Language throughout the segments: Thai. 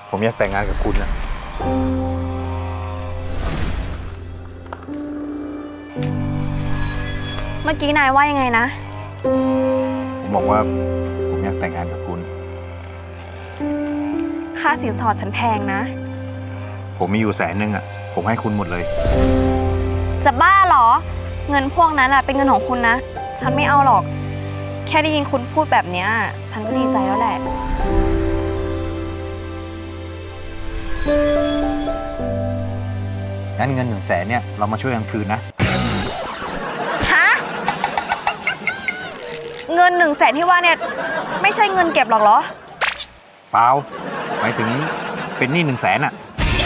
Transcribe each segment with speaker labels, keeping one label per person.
Speaker 1: ผมอยากแต่งงานกับคุณนะ
Speaker 2: เมื่อกี้นายว่ายังไงนะ
Speaker 1: ผมบอกว่าผมอยากแต่งงานกับคุณ
Speaker 2: ค่าสินสอดฉันแพงนะ
Speaker 1: ผมมีอยู่100,000อ่ะ ผมให้คุณหมดเลย
Speaker 2: จะบ้าเหรอ เงินพวกนั้นเป็นเงินของคุณนะ ฉันไม่เอาหรอก แค่ได้ยินคุณพูดแบบนี้ฉันก็ดีใจแล้วแหละ
Speaker 1: งั้นเงิน100,000เนี่ยเรามาช่วยกันคืนนะ
Speaker 2: ฮะ เงิน100,000ที่ว่าเนี่ยไม่ใช่เงินเก็บหรอกเหรอ
Speaker 1: เปล่าหมายถึงเป็นหนี้100,000อ่ะ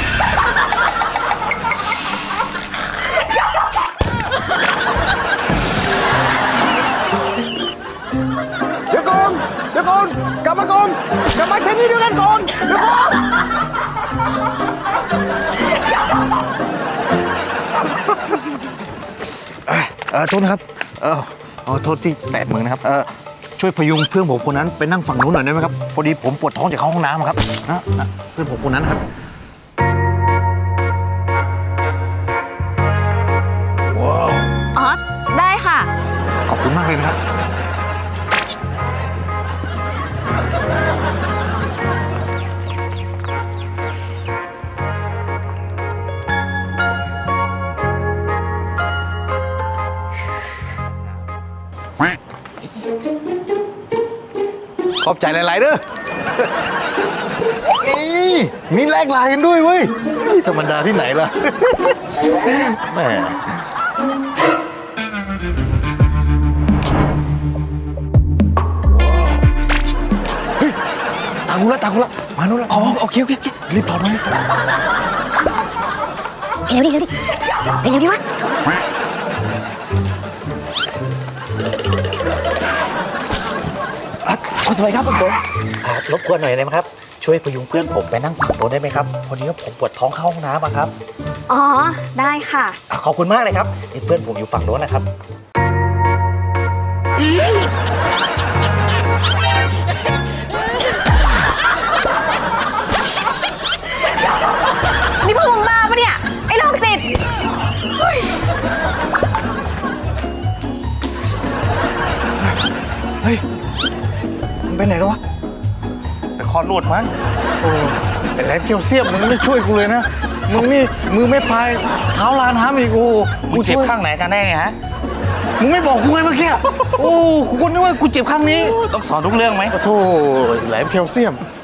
Speaker 3: เดี๋ยวก่อนกลับมาก่อนกลับมาใช้หนี่ด้วยกันก่อนเดี๋ยวก่อนโทษนะครับโทษที่แตะมือนะครับช่วยพยุงเพื่อนผมคนนั้นไปนั่งฝั่งนู้นหน่อยได้ไหมครับพอดีผมปวดท้องจากเข้าห้องน้ำครับนะเพื่อนผมคนนั้นครับว้าว
Speaker 2: อ๋อ ได้ค่ะ
Speaker 1: ขอบคุณมากเลยนะครับ ขอบใจหลาย ๆ เด้อ นี่มีแลกไลน์กันด้วยเว้ยธรรมดาที่ไหนล่ะ แหมเฮ้ยตากูละมานู่นละอ๋อโอเครีบถอดมา
Speaker 4: เร็วดิวะ
Speaker 5: คุณสมัยครับคุณสมรบกวนหน่อยได้ไหมครับ ช่วยพยุงเพื่อนผมไปนั่งฝั่งโน้นได้ไหมครับ พอดีว่าผมปวดท้องเข้าห้องน้ำอะครับ
Speaker 2: อ๋อ ได้ค่ะ
Speaker 5: ขอบคุณมากเลยครับนี่เพื่อนผมอยู่ฝั่งโน้นนะครับ
Speaker 2: นี่พวกมึงบ้าปะเนี่ย ไอ้โรคจิต
Speaker 1: เฮ้ยมันไปไหนแล้ววะแต่คอหลุดมั้งโอ้ไอ้แหลมเคียวเสียบมึงไม่ช่วยกูเลยนะ มึงนี่มือไม่พายเท้าลานห้ามอีกโอ้
Speaker 5: มึงเจ็บข้างไหนกันแน่เนี่ยฮะ
Speaker 1: มึงไม่บอกกูไงเมื่อกี้โอ้กูนึกว่ากูเจ็บข้างนี้
Speaker 5: ต้องสอนทุกเรื่องไหม
Speaker 1: โอ้โธ่แหลมเคียวเสียม